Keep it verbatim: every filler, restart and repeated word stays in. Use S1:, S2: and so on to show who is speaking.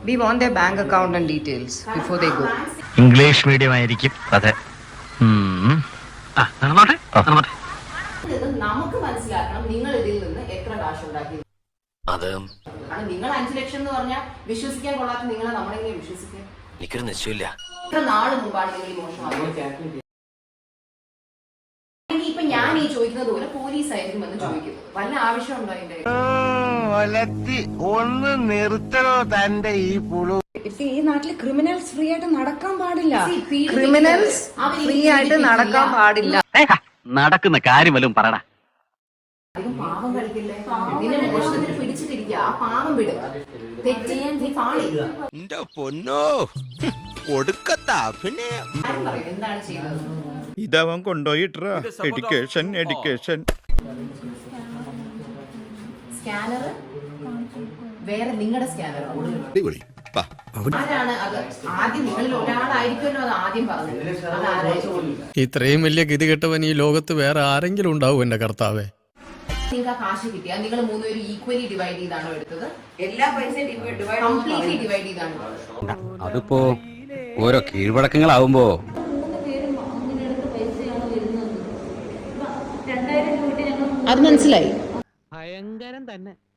S1: We want their bank account and details before they go.
S2: English medium ആയിരിക്കും. അതെ.
S3: നമുക്ക് മനസ്സിലാക്കണം നിങ്ങൾ ഇതിൽ നിന്ന് എത്ര കാശ് ഉണ്ടാക്കി.
S2: അത്
S3: നിങ്ങൾ അഞ്ചു ലക്ഷം എന്ന് പറഞ്ഞാൽ വിശ്വസിക്കാൻ കൊള്ളാത്ത നിങ്ങളെ നമ്മളെങ്ങനെ വിശ്വസിക്കാൻ?
S2: എനിക്കൊരു നിശ്ചയമില്ല.
S3: എത്ര നാള് മുമ്പാണ് നിങ്ങൾ ഈ മോഷണം? ഇപ്പൊ ഞാൻ ഈ ചോദിക്കുന്നത് പോലെ പോലീസ് ആയിരിക്കും എന്ന് ചോദിക്കുന്നത്. വല്ല ആവശ്യമുണ്ടോ അതിന്റെ?
S4: ഒന്ന് നിർത്തണോ തന്റെ ഈ പുളു?
S1: ഈ നാട്ടില് ക്രിമിനൽസ് ഫ്രീ ആയിട്ട് നടക്കാൻ പാടില്ല. ക്രിമിനൽസ് ഫ്രീ ആയിട്ട് നടക്കാൻ പാടില്ല.
S2: നടക്കുന്ന കാര്യം വല്ലതും പറയടാ.
S3: പാവം കളിക്കില്ലേ? നിന്നെ മോഷണത്തിന് പിടിച്ചിട്ടിരിക്കുക. ആ പാവം വിടും. തെറ്റ് നീ പാളി.
S4: പൊന്നോ കൊടുക്കത്താ. പിന്നെ
S3: എന്താണ് ചെയ്തത്?
S5: ഇതവൻ കൊണ്ടുപോയിട്ടാ എഡ്യൂക്കേഷൻ എഡ്യൂക്കേഷൻ
S3: സ്കാനർ വേറെ നിങ്ങളുടെ സ്കാനർ ആരാണ് അത്? ആദ്യം നിങ്ങളിൽ ഒരാളായിരിക്കുമല്ലോ അത് ആദ്യം പറഞ്ഞത്. അത്
S6: ഇത്രയും വലിയ ഗതികെട്ടവൻ ഈ ലോകത്ത് വേറെ ആരെങ്കിലും ഉണ്ടാവും എന്റെ കർത്താവേ?
S3: നിങ്ങൾക്ക് ആ കാശ് കിട്ടിയാ നിങ്ങൾ മൂന്നുപേരും ഈക്വലി ഡിവൈഡ് ചെയ്താണോ എടുത്തത്? എല്ലാ പൈസയും കംപ്ലീറ്റ്ലി ഡിവൈഡ് ചെയ്താണോ?
S7: അതിപ്പോ ഓരോ കീഴ്വഴക്കങ്ങളാവുമ്പോ
S3: അത് മനസ്സിലായി.
S8: ഭയങ്കരം തന്നെ.